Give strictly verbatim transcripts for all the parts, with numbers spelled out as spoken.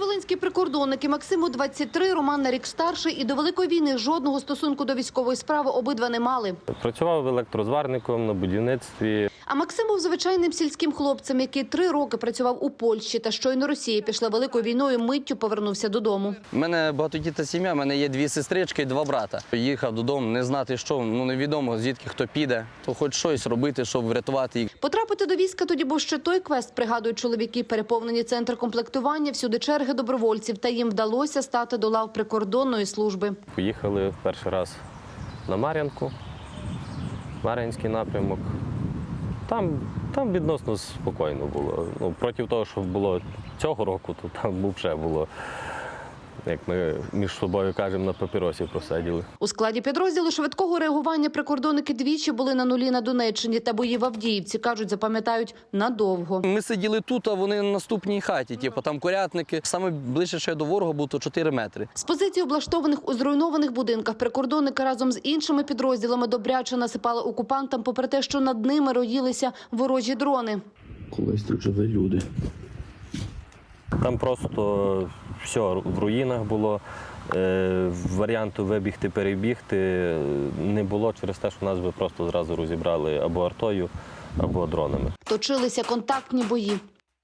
Волинські прикордонники Максиму двадцять три, Роман на рік старший, і до Великої війни жодного стосунку до військової справи обидва не мали. Працював електрозварником на будівництві. А Максим був звичайним сільським хлопцем, який три роки працював у Польщі, та щойно Росія пішла Великою війною, миттю повернувся додому. У мене багатодітна сім'я, у мене є дві сестрички і два брата. Їхав додому, не знати що, ну невідомо звідки хто піде, то хоч щось робити, щоб врятувати їх. Потрапити до війська тоді був ще той квест, пригадують чоловіки. Переповнені центр комплектування, всюди черги добровольців, та їм вдалося стати до лав прикордонної служби. Поїхали в перший раз на Мар'янку, Мар'янський напрямок. Там, там відносно спокійно було. Ну, проти того, що було цього року, то там взагалі було, як ми між собою кажемо, на папіросі просиділи. У складі підрозділу швидкого реагування прикордонники двічі були на нулі на Донеччині, та бої в Авдіївці, кажуть, запам'ятають надовго. Ми сиділи тут, а вони на наступній хаті, типу, там курятники. Саме ближче ще до ворога було то чотири метри. З позицій, облаштованих у зруйнованих будинках, прикордонники разом з іншими підрозділами добряче насипали окупантам, попри те, що над ними роїлися ворожі дрони. Колись тут жили люди. Там просто все в руїнах було. Е, варіанту вибігти, перебігти не було через те, що нас би просто зразу розібрали або артою, або дронами. Точилися контактні бої.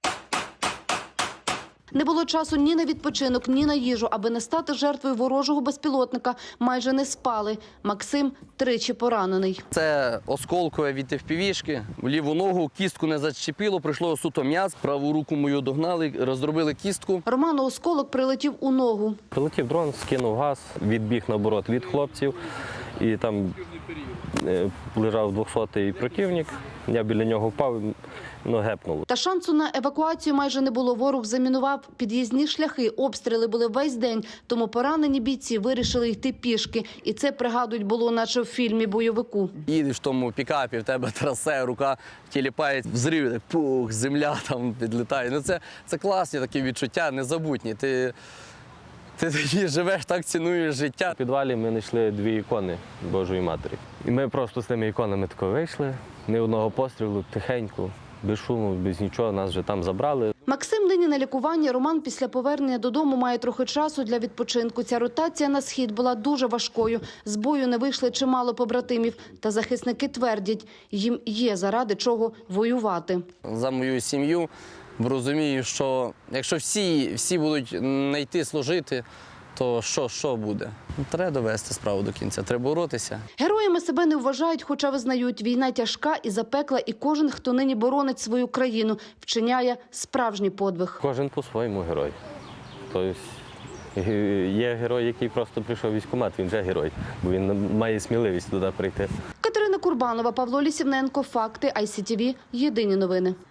Не було часу ні на відпочинок, ні на їжу. Аби не стати жертвою ворожого безпілотника, майже не спали. Максим тричі поранений. Це осколкове від ефпівішки. Ліву ногу, кістку не зачепило, прийшло суто м'яз. Праву руку мою догнали, розробили кістку. Роману осколок прилетів у ногу. Прилетів дрон, скинув газ, відбіг наоборот від хлопців. І там е, лежав двохсотий противник. Я біля нього впав, ну, гепнуло. Та шансу на евакуацію майже не було. Ворог замінував під'їзні шляхи, обстріли були весь день. Тому поранені бійці вирішили йти пішки. І це, пригадують, було наче в фільмі бойовику. Їдеш в тому пікапі, в тебе трасе, рука тіліпає, взрив, так, пух, земля там підлітає. Ну, це, це класні такі відчуття, незабутні. Ти, ти тоді живеш, так цінуєш життя. В підвалі ми знайшли дві ікони Божої Матері. І ми просто з тими іконами тако вийшли, ні одного пострілу, тихенько, без шуму, без нічого, нас вже там забрали. Максим нині на лікуванні. Роман після повернення додому має трохи часу для відпочинку. Ця ротація на схід була дуже важкою. З бою не вийшли чимало побратимів. Та захисники твердять, їм є заради чого воювати. За мою сім'ю розумію, що якщо всі, всі будуть не йти служити, то що, що буде? Треба довести справу до кінця, треба боротися. Героями себе не вважають, хоча визнають, війна тяжка і запекла, і кожен, хто нині боронить свою країну, вчиняє справжній подвиг. Кожен по-своєму герой. Тобто є герой, який просто прийшов в військкомат, він вже герой, бо він має сміливість туди прийти. Катерина Курбанова, Павло Лісівненко, Факти, ай сі ті ві, Єдині новини.